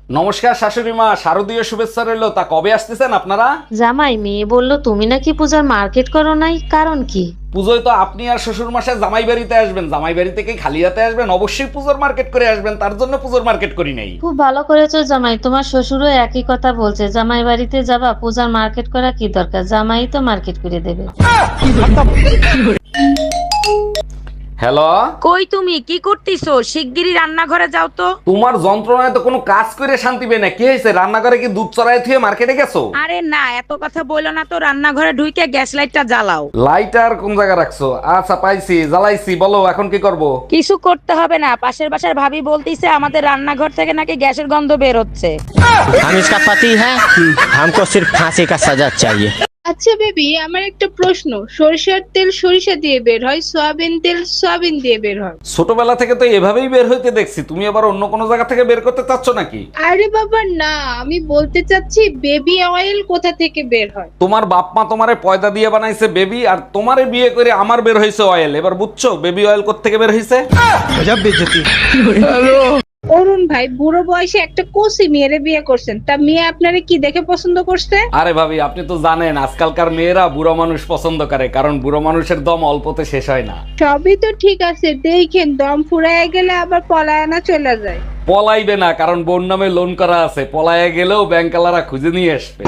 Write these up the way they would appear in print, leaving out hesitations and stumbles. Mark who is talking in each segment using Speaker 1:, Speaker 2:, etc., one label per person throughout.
Speaker 1: নমস্কার শাশুড়ি মা, শারদীয় শুভেচ্ছা রইলো। তা কবে আসতেছেন আপনারা?
Speaker 2: জামাই, মেয়ে বলল তুমি নাকি পূজার মার্কেট করো নাই, কারণ কি?
Speaker 1: পুজোয় তো আপনি আর শ্বশুর মশাই জামাই বাড়িতে আসবেন, জামাই বাড়ি থেকে খালি হাতে আসবেন? অবশ্যই পুজোর মার্কেট করে আসবেন, তার জন্য পুজোর মার্কেট করি নাই।
Speaker 2: খুব ভালো করেছো জামাই, তোমার শ্বশুরও একই কথা বলছে, জামাই বাড়িতে যাবা, পূজার মার্কেট করা কি দরকার, জামাই তো মার্কেট করে দেবে।
Speaker 1: হ্যালো,
Speaker 3: কই তুমি কি করতেছো? শিগগিরই রান্নাঘরে যাও তো।
Speaker 1: তোমার যন্ত্রণায় তো কোনো কাজ করে শান্তি পেয়ে না। কি হয়েছে, রান্নাঘরে কি দুধ চড়াই থুয়ে মার্কেটে গেছো?
Speaker 3: আরে না, এত কথা বলো না তো, রান্নাঘরে ঢুকে গ্যাস লাইটটা জ্বালাও।
Speaker 1: লাইটার কোন জায়গায় রাখছো? আচ্ছা পাইছি, জ্বালাইছি, বলো এখন কি করব?
Speaker 3: কিছু করতে হবে না, পাশের বাসার ভাবি বলতিছে আমাদের রান্নাঘর থেকে নাকি গ্যাসের গন্ধ বের হচ্ছে।
Speaker 4: हम इसका पति है, हमको सिर्फ फांसी का सजा चाहिए।
Speaker 5: আচ্ছা বেবি, আমার একটা প্রশ্ন। সরিষার তেল সরিষা দিয়ে বের হয়, সয়াবিন তেল সয়াবিন দিয়ে বের হয়।
Speaker 1: ছোটবেলা থেকে তো এভাবেই বের হইতে দেখছি, তুমি আবার অন্য কোনো জায়গা থেকে বের করতে চাচ্ছ নাকি?
Speaker 5: আরে বাবা না, আমি বলতে চাচ্ছি বেবি অয়েল কোথা থেকে বের হয়।
Speaker 1: তোমার বাপ মা তোমারে পয়দা দিয়ে বানাইছে বেবি, আর তোমারে বিয়ে করে আমার বের হইছে অয়েল। এবার বুঝছো বেবি অয়েল কোত্থেকে বের হইছে?
Speaker 4: गजब बेइज्जती।
Speaker 5: অরুণ ভাই, বুড়ো বয়সে একটা কোসি মেয়েরে বিয়ে করছেন, তা মেয়ে আপনারে কি দেখে পছন্দ করছে?
Speaker 1: আরে ভাবি, আপনি তো জানেন আজকালকার মেয়েরা বুড়ো মানুষ পছন্দ করে, কারণ বুড়ো মানুষের দম অল্পতে শেষ হয় না।
Speaker 5: সবই তো ঠিক আছে, দেখেন দম ফুরায় গেলে আবার পলায়না চলে যায়।
Speaker 1: পলাইবে না, কারণ বোন নামে লোন করা আছে, পলায়ে গেলেও ব্যাংকালারা খুঁজে নিয়ে আসবে।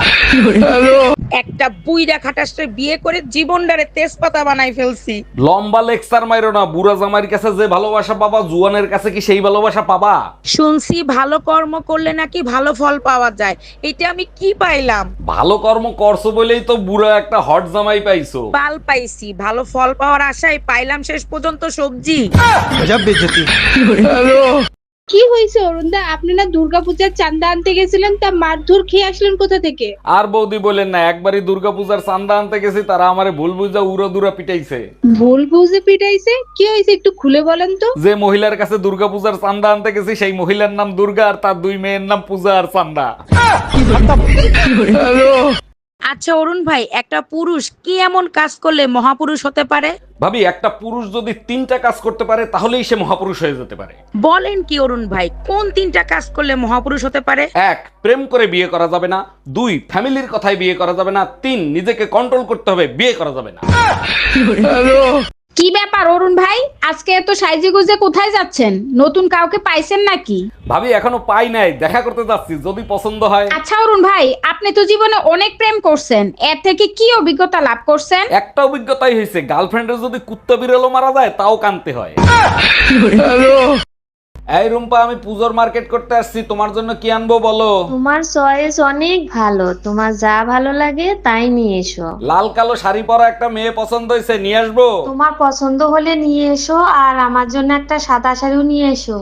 Speaker 3: একটা বুইড়া খাটাসে বিয়ে করে জীবনটারে তেজপাতা বানাই ফেলছি।
Speaker 1: লম্বা লেকচার মাইরো না, বুড়া জামাইয়ের কাছে যে ভালোবাসা পাবা, জুয়ানের কাছে কি সেই ভালোবাসা পাবা?
Speaker 3: শুনছি ভালো কর্ম করলে নাকি ভালো ফল পাওয়া যায়, এটা আমি কি পাইলাম?
Speaker 1: ভালো কর্ম করছো বলেই তো বুড়া একটা হট জামাই পাইছো।
Speaker 3: পাল পাইছি, ভালো ফল পাওয়ার আশায় পাইলাম শেষ পর্যন্ত সবজি।
Speaker 4: गजब बेइज्जती।
Speaker 5: কি হয়েছে অরুণদা, আপনি না দুর্গাপূজার চাঁদা আনতে গেছিলেন, তা মারধর খেয়ে আসলেন কোথা থেকে?
Speaker 1: আর বৌদি বলেন না, একবারই দুর্গাপূজার চাঁদা আনতে গেছি, তারা আমারে ভুল বুঝা উড়ো দুরা পিটাইছে।
Speaker 5: ভুল বুঝে পিটাইছে? কি হয়েছে একটু খুলে বলেন তো।
Speaker 1: যে মহিলার কাছে দুর্গাপূজার চাঁদা আনতে গেছি, সেই মহিলার নাম দুর্গা, আর তার দুই মেয়ের নাম পূজা আর চাঁদা।
Speaker 3: আচ্ছা অরুণ ভাই, একটা পুরুষ কি এমন কাজ করলে মহাপুরুষ হতে পারে?
Speaker 1: ভাবি, একটা পুরুষ যদি 3টা কাজ করতে পারে তাহলেই সে মহাপুরুষ হয়ে যেতে পারে।
Speaker 3: বলেন কি অরুণ ভাই, কোন 3টা কাজ করলে মহাপুরুষ হতে পারে?
Speaker 1: 1, প্রেম করে বিয়ে করা যাবে না। 2, ফ্যামিলির কথায় বিয়ে করা যাবে না। 3, নিজেকে কন্ট্রোল করতে হবে, বিয়ে করা যাবে না।
Speaker 6: কি ব্যাপার অরুণ ভাই, আজকে এত সাইজে গুজে কোথায় যাচ্ছেন? নতুন কাউকে পাইছেন নাকি?
Speaker 1: ভাবি, এখনো পাই নাই, দেখা করতে যাচ্ছি, যদি পছন্দ হয়।
Speaker 6: আচ্ছা অরুণ ভাই, আপনি তো জীবনে অনেক প্রেম করছেন, এর থেকে কি অভিজ্ঞতা লাভ করছেন?
Speaker 1: একটা অভিজ্ঞতাই হয়েছে, গার্লফ্রেন্ডের যদি কুত্তা বিড়ালও মারা যায় তাও কানতে হয়। এই রুম্পা, আমি পুজোর মার্কেট করতে আসছি, তোমার জন্য কি আনবো বলো?
Speaker 2: তোমার চয়েস অনেক ভালো, তোমার যা ভালো লাগে তাই নিয়ে এসো।
Speaker 1: লাল কালো শাড়ি পরা একটা মেয়ে পছন্দ হয়েছে, নিয়ে আসবো?
Speaker 2: তোমার পছন্দ হলে নিয়ে এসো, আর আমার জন্য একটা সাদা শাড়িও নিয়ে এসো।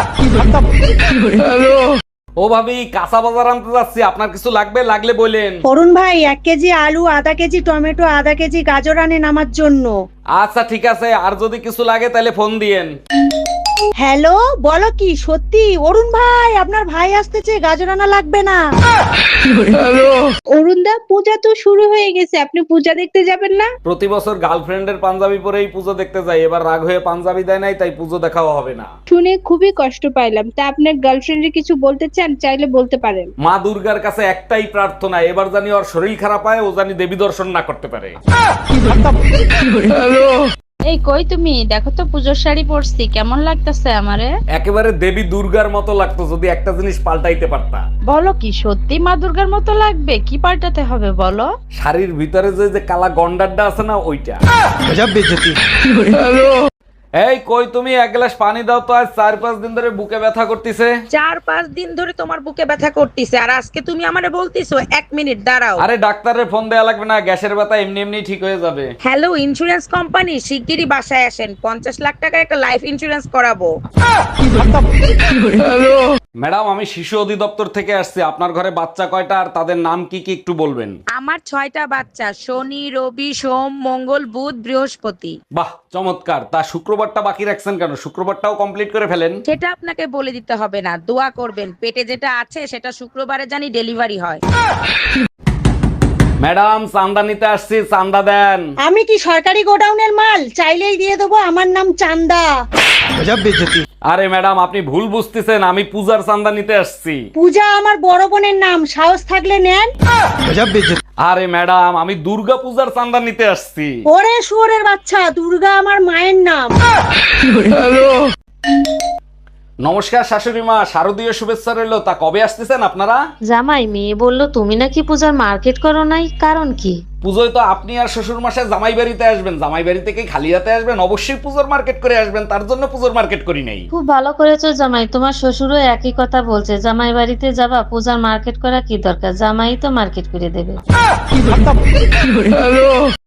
Speaker 1: ও ভাবি, কাঁচা বাজার আনতে যাচ্ছি, আপনার কিছু লাগবে? লাগলে বলেন।
Speaker 7: অরুণ ভাই, 1 কেজি আলু, আধা কেজি টমেটো, আধা কেজি গাজর আনেন আমার জন্য।
Speaker 1: আচ্ছা ঠিক আছে, আর যদি কিছু লাগে তাহলে ফোন দিয়েন।
Speaker 7: হ্যালো, বলো কি সত্যি? অরুণ ভাই, আপনার ভাই আসতেছে, গাজর আনা লাগবে না।
Speaker 5: অরুণদা, পূজা তো শুরু হয়ে গেছে, আপনি পূজা দেখতে যাবেন না?
Speaker 1: প্রতি বছর গার্লফ্রেন্ডের পাঞ্জাবি পরেই পুজো দেখতে যাই, এবার রাগ হয়ে পাঞ্জাবি দেয় নাই, তাই পুজো দেখাও হবে না।
Speaker 5: শুনে খুবই কষ্ট পাইলাম। তা আপনার গার্লফ্রেন্ডে কিছু বলতে চান, চাইলে বলতে পারেন।
Speaker 1: মা দুর্গার কাছে একটাই প্রার্থনা, এবার জানি ওর শরীর খারাপ হয়, ও জানি দেবী দর্শন না করতে পারে।
Speaker 6: এই কই তুমি, দেখো তো পুজোর শাড়ি পরছি, কেমন লাগতেছে আমারে?
Speaker 1: একেবারে দেবী দুর্গার মতো লাগতো, যদি একটা জিনিস পাল্টাইতে পারতা।
Speaker 6: বলো কি সত্যি মা দুর্গার মতো লাগবে? কি পাল্টাতে হবে বলো?
Speaker 1: শাড়ির ভিতরে যে যে কালা গন্ডারটা আছে না, ওইটা।
Speaker 4: गजब बेइज्जती।
Speaker 1: এই কই তুমি, 1 গ্লাস পানি দাও তো, আজ 4-5 দিন ধরে বুকে ব্যথা করতেছে।
Speaker 3: 4-5 দিন ধরে তোমার বুকে ব্যথা করতেছে, আর আজকে তুমি আমারে বলতিছো 1 মিনিট দাঁড়াও।
Speaker 1: আরে ডাক্তারের ফোন দেয়া লাগবে না, গ্যাসের ব্যথা এমনি এমনি ঠিক হয়ে যাবে।
Speaker 3: হ্যালো ইন্স্যুরেন্স কোম্পানি, শিগগিরই বাসায় আসেন, 50 লাখ টাকার একটা লাইফ ইন্স্যুরেন্স করাবো।
Speaker 1: ম্যাডাম, আমি শিশু অধিদপ্তর থেকে আসছি, আপনার ঘরে বাচ্চা কয়টা আর তাদের নাম কি কি একটু বলবেন?
Speaker 3: আমার 6টা বাচ্চা, শনি রবি সোম মঙ্গল বুধ বৃহস্পতি।
Speaker 1: বাহ, চমৎকার। তা শুক্রবারটা বাকি রাখছেন কেন? শুক্রবারটাও কমপ্লিট করে ফেলেন।
Speaker 3: সেটা আপনাকে বলে দিতে হবে না, দোয়া করবেন পেটে যেটা আছে সেটা শুক্রবারে জানি ডেলিভারি হয়।
Speaker 1: ম্যাডাম, চান্দা নিতে আসছি, চান্দা দেন।
Speaker 7: আমি কি সরকারি গোডাউনের মাল? চাইলেই দিয়ে দেবো, আমার নাম চান্দা।
Speaker 4: गजब बेइज्जती।
Speaker 1: আরে ম্যাডাম আপনি ভুল বুঝতেছেন, আমি পূজার চাঁদা নিতে আসছি।
Speaker 7: পূজা আমার বড় বোনের নাম, সাহস থাকলে নেন।
Speaker 1: আরে ম্যাডাম আমি দুর্গা পূজার চাঁদা নিতে আসছি।
Speaker 7: ওরে শুয়োরের বাচ্চা, দুর্গা আমার মায়ের নাম।
Speaker 1: নমস্কার শাশুড়ি মা, শারদীয় শুভেচ্ছা রইলো। তা কবে আসতেছেন আপনারা?
Speaker 2: জামাই, মেয়ে বললো তুমি নাকি পূজার মার্কেট করো নাই, কারণ কি?
Speaker 1: পুজোয় তো আপনি আর শ্বশুর মশাই জামাই বাড়িতে আসবেন, জামাই বাড়ি থেকে খালি হাতে আসবেন, অবশ্যই পুজোর মার্কেট করে আসবেন, তার জন্য পুজোর মার্কেট করি নাই।
Speaker 2: খুব ভালো করেছো জামাই, তোমার শ্বশুরও একই কথা বলছে, জামাই বাড়িতে যাবা, পূজার মার্কেট করা কি দরকার, জামাই তো মার্কেট করে দেবে।